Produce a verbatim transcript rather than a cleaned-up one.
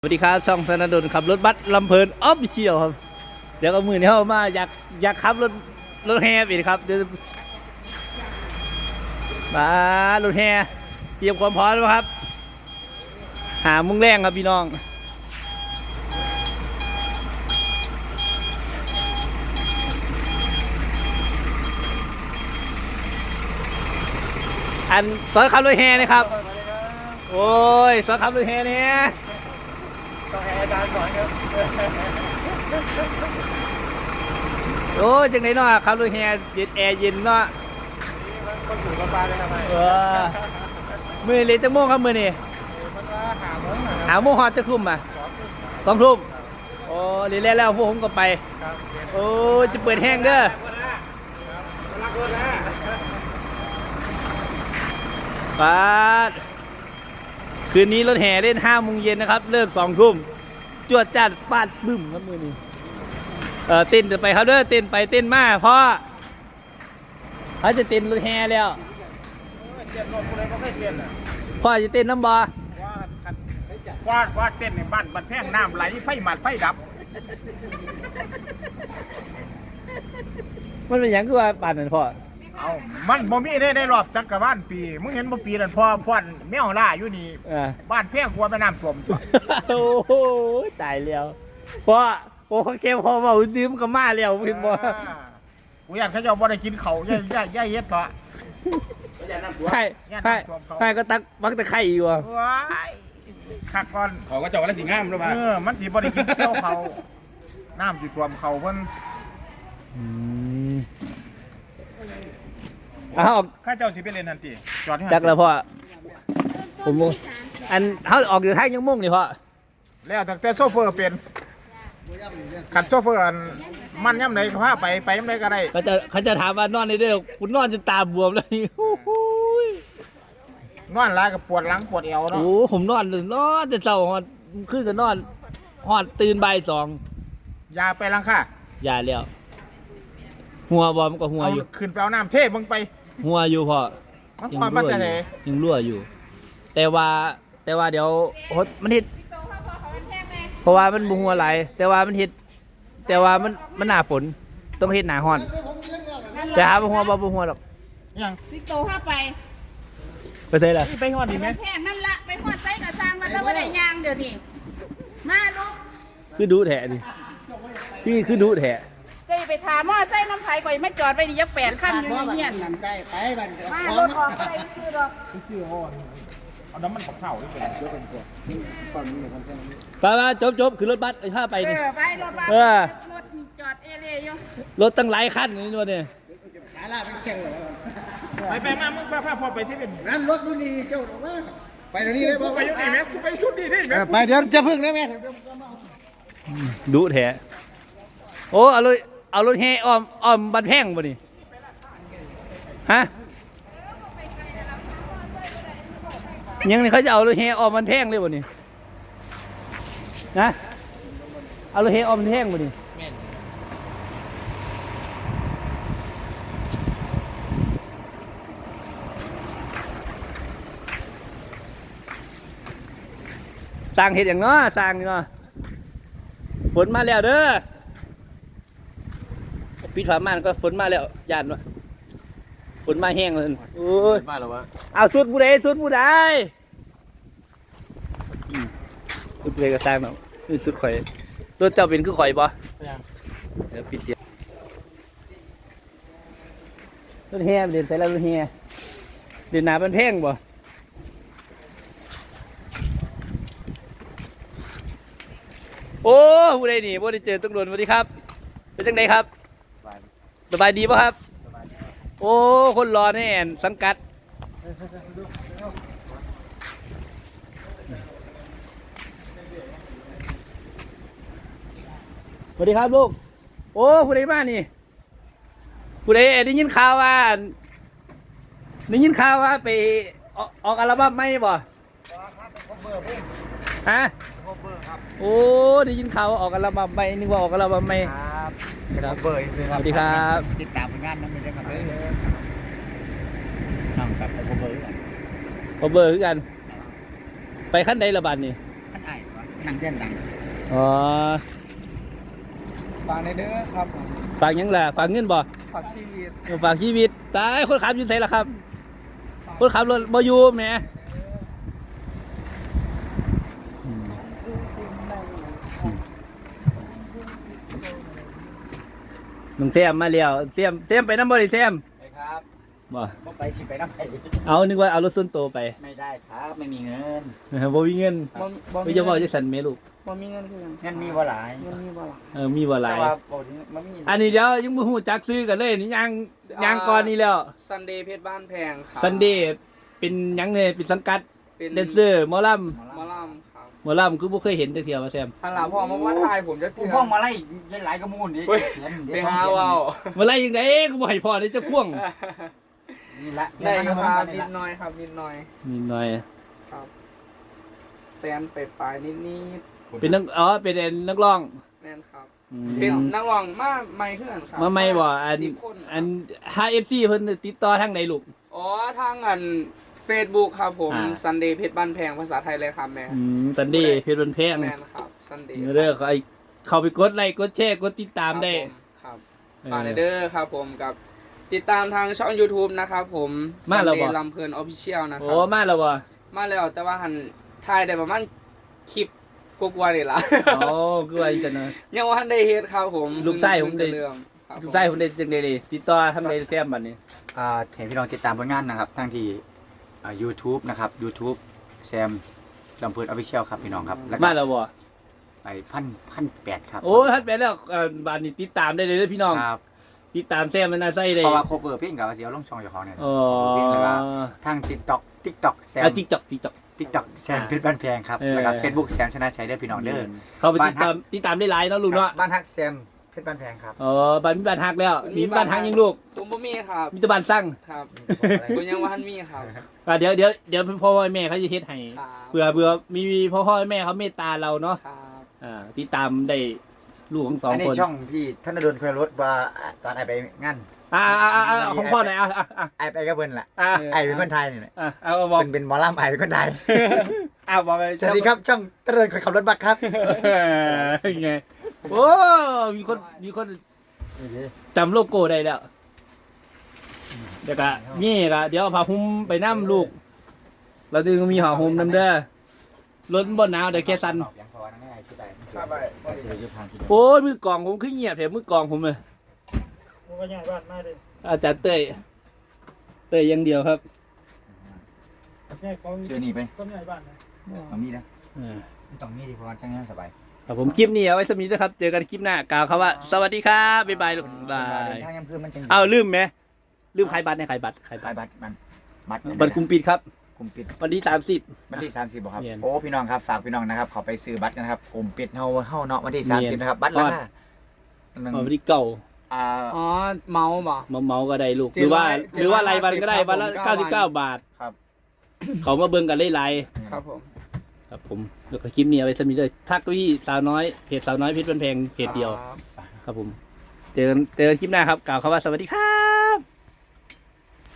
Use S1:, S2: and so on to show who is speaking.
S1: สวัสดีครับช่องธนดลขับรถบัสลำเพลินออฟฟิเชียลครับเดี๋ยวก็มือนี้เข้ามาอยากอยากขับรถรถแฮอีกครับเดี๋ยวมารถแฮเตรียมความพร้อมแล้วครับหามุ้งแรงครับพี่น้องอันสอนขับรถแฮนะครับโอ้ยสอนขับรถแฮเนี่ย
S2: ต้องให้อาจารย์สอนครับ
S1: โอ้จังไหนเนาะขับรถแฮเย็นแอร์เย็นเนาะ
S2: ก็สูงกว่าปลาเลยครับ
S1: เออมือเลยจังโมงครับมือนี่
S2: มันว่าหาโมง
S1: หาโมงฮอตจะคุ้มอ่ะสองทุ่มโอ้เรียนแล้วพวกผมก็ไปโอ้จะเปิดแห้งเด้อปาดคืนนี้รถแห่เล่นห้าโมงเย็นนะครับเลิกสองทุ่มจวดจัดฟาดบึ้มครับมือนี้เออเต้นไปครับเด้อเต้นไปเต้นมาเพราะเขาจะเต้นรถแห่แล้ว
S2: เต้นรถอะไรก็ไม่เต้นอ่ะ
S1: พ่อจะเต้นน้ำบอ
S2: ว่าว่าเต้นในบ้านบันแพงน้ำไหลไฟหมัดไฟดับ
S1: มันเป็นอย่างคือว่าป่านนั้นพ่อ
S2: เอามันบ่มีได้ได้รอบจักรวาลปีมึงเห็นบ่ปีนั้นพอฟ้อนแมวล่าอยู่นี่บ้านแพงกว่าแม่น้ำท่วม
S1: โอ้โหตายแล้วพ่อโอ้เขาเก็บพอเบาซื้อมันก็มาแล้วเห็นบ่
S2: กูอยากเขาจะบ่ได้กินเขาย่ายย่ายย่ายเฮ็ดเถอะ
S1: ใช่ใช่ใช่ก็ตักบักตะไคร่อยู่อ่ะ
S2: ขักก่อน
S3: เขาก็จอกแล้วสิงามแล้วมา
S2: เออมันสิบ่ได้กินเที่ยวเขาน้ำสิท่วมเขาเพิ่น
S1: อ้าว
S2: ข้าเจ้าสิไปเล่นทันทีจอด
S1: จักแล้วพ่อผมอันเขาออกอยู่ท้ายยังมุ่งนี่พ่อ
S2: แล้วตั้งแต่โซเฟอร์เป็นขัดโซเฟอร์มันย่ำไหนก็พาไปไปย่ำไหนก็ได้
S1: เขาจะเขาจะถามว่านอนในเด้อคุณนอนจนตาบวมเลย
S2: นอนร้ายกับปวดหลังปวดเอวเนาะ
S1: โอ้ผมนอนเลยนอนแต่เช้าหอดขึ้นจะนอนหอดตื่นบ่ายสอง
S2: ยาไปลังค่ะ
S1: ยาแล้วหัวบอมก็หัวอยู่
S2: ขึ้นไปเอาน้ำเทมึงไป
S1: หัวอยู่พ่อ
S2: ยังรั่วอยู่
S1: ยังรั่วอยู่แต่ว่าแต่ว่าเดี๋ยวมันเห็ดเพราะว่ามันบุหัวไหลแต่ว่ามันเห็ดแต่ว่ามันมันหนาฝนต้องเห็ดหนาห้อนจะหาบุหัวบ่บุหัวหรอก
S2: ยัง
S4: สิโตเข้าไป
S1: ไปใส่ละ
S2: ไปหอดดีไหม
S4: แพงนั่นละไปหอดไส้กับซางมันแล้วว่าได้ยางเดี๋ยวนี้มาลูก
S1: คือดูแถดิพี่คือดูแถ
S4: จะไปถามว่าไส้น้ำไผ่ก่อยไม่จอดไปดิยักแปดขั้นอยู่เงี้ยนั่นใจไปบันมารถออกไปคือดอก
S2: คือหอดเอาน้ำมันกับข้าวนี่เป็นเยอะเป็นตัวฝั่งนี้ของแค่นี้
S1: ไปมาจบจบคือรถบัสไอ้ข้าไปนี่
S4: เออไปรถบัสรถจอดเอเล่อยู่
S1: รถตั้งหลายขั้นนี่ตัวเนี่ย
S2: ไปไปมามึงพาพาพ่อไปที่เป็น
S3: นั่นรถดูนี่เจ้าหรอวะไปตรงนี้เลย
S2: ไปอยู่นี่แม่กูไปชุดนี้นี่แม่
S3: ไปเดี๋ยวจะพึ่งนะแม่
S1: ดูแถโอ้เอารถเอารถแห่อ้อมอ้อมบันแพงบ่นี่ฮะยังนี่เขาจะเอารถแห่อ้อมบันแพงเลยบ่นี่นะเอารถแห่อ้อมบันแพงบ่นี่สร้างเห็ดอย่างเนาะสร้างเนาะฝนมาแล้วเด้อปิดฝาม่านก็ฝนมาแล้วยานวะฝนมาแห้งเลยโอ้ย
S3: มาแล้ววะ
S1: เอาสุดผู้ใดสุดผู้ใดสุดผู้ใดก็สร้างเนาะนี่สุดข่อยรถเจ้าเป็นคือข่อยบ่เดี๋ยวปิดเสียงรถแห่เดินใส่แล้วรถแห่เดินหนาเป็นแพงบ่โอ้ผู้ใดนี่ผู้ใดเจอต้องโดนสวัสดีครับเป็นจังไดครับสบายดีป่ะครับโอ้คนรอแน่สังกัดสวัสดีครับลูกโอ้ผู้ใดมานี่ผู้ใดได้ยินข่าวว่าได้ยินข่าวว่าไปออกอัลบั้มไหมบ่ฮะโอ้ได้ยินข่าวออกอัลบั้มไหมนึกว่าออกอัลบั้มไหม
S2: ครับครับเบอร์ซื้อ
S1: ครับสวัสดีครับ
S2: ติดตามผลงานนั้นไม่ใช่ครับเลยนั่งกับผมเบอร์กัน
S1: ผมเบอร์คือกันไปขั้นใดละบาทนี่
S2: ขั้นไหนวะ
S3: นั่งเพื่อนดัง
S1: อ๋อ
S5: ฝากในเด้อครับ
S1: ฝากหยังล่ะฝากเงินบ่
S5: ฝากชีวิต
S1: ฝากชีวิตตายคนขับอยู่ไสล่ะครับคนขับรถบ่อยู่แหมน้องแซมมาแล้วแซมแซมไปน้ำบ่ได้แซม
S3: ไปครับ
S1: บ่
S3: บ่ไปสิไปน้ำไป
S1: เอานึกว่าเอารถส่วนตัวไป
S3: ไม่ได้ครับไม่มีเงิน
S1: บ่มีเงิน
S5: บ่บ่
S1: ไม่จะบอกจะสั่นแม่ลูก
S5: บ่มีเงินคือหยัง
S3: เงินมีบ่หลาย
S5: เงินมีบ่ล่ะ
S1: เออมีบ่หลา
S3: แต่
S1: ย
S3: ว่าบ่ถึงมันมี
S1: อันนี้เดี๋ยวยังบ่ฮู้จักซื้อกันเลยนี่ยังยังก่อนนี้แล้ว
S5: ซันเดย์เพชรบ้านแพงครับ
S1: ซันเดย์เป็นหยังเนี่ยเป็นสังกัด
S5: เป็น
S1: แดนเซอร์หมอล
S5: หมอลำครับ
S1: ำหมอลำคือบ่เคยเห็นจักเที่ยวว่าแซม
S5: อันหลังพ่อมาว่าทายผมจะ
S3: กู
S5: เถื่อ
S3: พ่อมาไล่หลายกระมูลดิ
S5: เฮ้ย
S3: เสียน
S5: ไปหาเว้า
S1: มาไล่ยังไงกูบ่ให้พ่อได้จะพ่วง
S3: นี่ละ
S5: ได้อยู่ครับ
S3: นี่
S5: นิ
S3: ละ
S5: ดหน่อยครับนิดหน่อย
S1: นิดหน่อย
S5: ครับแซนไปปลายนิดนิด
S1: เป็นนักอ๋อเป็นนักร้อง
S5: แม่นครับ
S1: อืม
S5: เป็นนักร้องมาไม่เพื่อนครับ
S1: มาไม่บ่อัน
S5: สิบคน
S1: อัน ห้า เอฟ ซี เพิ่นติดต่อทางใดลูก
S5: อ๋อทางอัน Facebook ครับผม
S1: อ่า
S5: ซันเดย์เพชรบ้านแพงภาษาไทยเลยครับแม่
S1: อืมตันดี้เพชรบันแพง
S5: แม่นครับซันเดย์
S1: เด้อเขาไอ้เข้าไปกดไลค์กดแชร์กดติดตามได้
S5: ครับ
S1: เออ
S5: ฝากในเด้อครับผมกับติดตามทางช่อง YouTube นะครับผม
S1: มาแล้วบ่
S5: Sunday ลำเพลินออฟฟิเชียลนะครั
S1: โอ้มาแล้วบ่
S5: มาแล้วแต่ว่าหันถ่ายได้ประมาณคลิปกว่าๆนี่ล่ะ
S1: โอ้คือว่าจังนะ
S5: ยังว่าทันได้เฮ็ดครับผม
S1: ลูกไส้ผมได้
S5: เรื่องครับ
S1: ทุกสายผมได้จังได๋ดิติดต่อทางใดแซมบัดนี้
S3: อ่าเห็นพี่น้องติดตามผลงานนะครับทั้งที่อ่า YouTube นะครับ YouTube แซมลำพูนออฟฟิเชียลครับพี่น้องครับแล้วก็
S1: มาแล้วบ่
S3: ไปพันพันแปดครับ
S1: โอ้ทัดไปแล้วเอ่อบัดนี้ติดตามได้เลยเด้อพี่น้อง
S3: ครับ
S1: ติดตามแซมมันน่าใส่ได้
S3: เพราะว่าโคเวอร์เพลงกับเสียวลงช่องเจ้าของเนี่ย
S1: อ๋อ
S3: เพลงแล้วก็ทาง TikTok TikTok แซม
S1: อ่ะ TikTok TikTok
S3: TikTok แซมเพชรบ้านแพงครับ
S1: เออ
S3: แล้วก็ Facebook แซมชนะชัยเด้อพี่น้องเด้อ
S1: เข้าไปติดตามติดตามได้หลายเนาะลูกเนาะ
S3: บ้านฮักแซมเพชรบ้านแพงครับ
S1: อ๋อบ้านมีบ้านฮักแล้วมีบ้านฮักยังลูก
S5: ผมบ่มีครับ
S1: มีแต่บ้านสร้าง
S5: ครับผมยังว่าทันมีครับ
S1: อ่ะเดี๋ยวเดี๋ยวเดี๋ยวพ่อแม่เขาจะเฮ็ดให้
S5: ครับ
S1: เผื่อเผื่อมีพ่อพ่อแม่เขาเมตตาเราเนาะ
S5: ครับ
S1: อ่าติดตามได้ลูกของสอง
S3: อันนี้
S1: คน
S3: ช่องพี่ธนดลคนรถว่าตอนไอไปงาน
S1: อ่าอ่าอ่าอ่าของพ่อหน่อยอ่ะอ่ะอ่ะ
S3: ไอไปกับเพิ่นล่ะ
S1: อ่ะ
S3: ไอเป็นคนไทยนี่แหละ
S1: อ่ะเอาบอก
S3: เป็นเป็นหมอลำไอเป็นคนไทย
S1: อ่ะบอกเลย
S3: สวัสดีครับช่องธนดลคนขับรถบัสครับ
S1: เออไงโอ้มีคนมีคนจำโลโก้ได้แล้วเดี๋ยวกะนี่กะเดี๋ยวเอาผ้าห่มไปนั่มลูกเราดึงมีผ้าห่มน้ำเด้อรถบนหนาวเดี๋ยวแค่สั่น
S5: ครับไป
S1: โอ้ยมือกลองผมขึ้นเงียบแถมมือกลองผมเลยอาจารย์เต้ยเต้ยอยังเดียวครับ
S3: เชื่อนี่ไปต้องมีนะ
S1: อ่า
S3: ต้องมีดีเพราะว่าจังนั้นสบาย
S1: ครับผมคลิปนี้เอาไว้สมีนะครับ เจอกันคลิปหน้ากล่าวคำว่า สวัสดีครับบ๊ายบายลูกบา
S3: เดิ
S1: ย
S3: นทางยังเพื่อนมันจัง
S1: เอาลืมไหมลืมขายบัตรในขายบัตรขายบั
S3: ขา
S1: ต
S3: ย
S1: ร
S3: บัตรมันบัตร
S1: บัตรคุมปิดครับ
S3: คุมปิด
S1: วันที่สามสิบ
S3: วันที่สามสิบบ่ครับ
S1: เรียน
S3: โอ้พี่น้องครับฝากพี่น้องนะครับขอไปซื้อบัตรกันนะครับคุมปิดเฮาเฮาเนาะวันที่
S1: เรี
S3: สาม
S1: ย
S3: สิบ
S1: น
S3: นะครับบัตรราคาหนึ่ง
S1: วันที่เก่า
S3: อ่า
S5: อ๋อเมาบ่
S1: เมาเมาๆก็ได้ลูก
S5: เจ็
S1: ห
S5: ด
S1: รือ
S5: ร้
S1: ว่า
S5: อย
S1: หรือว่ารายวันก็ได้
S5: เจ็ดร้อย
S1: วันละ
S5: ห้าสิบ
S1: เก้าสิบเก้าบาท
S3: ครับ
S1: เขามาเบิ่งกันไล่
S5: ครับผม
S1: ๆครับผมแล้วก็คลิปนี้เอาไว้สมีเลยทักไปที่สาวน้อยเพจสาวน้อยเพชรบันแพงเพจเดียว
S5: ครับ
S1: ครับผม เจอกันเจอกันคลิปหน้าครับกล่าวคำว่าสวัสดีครับ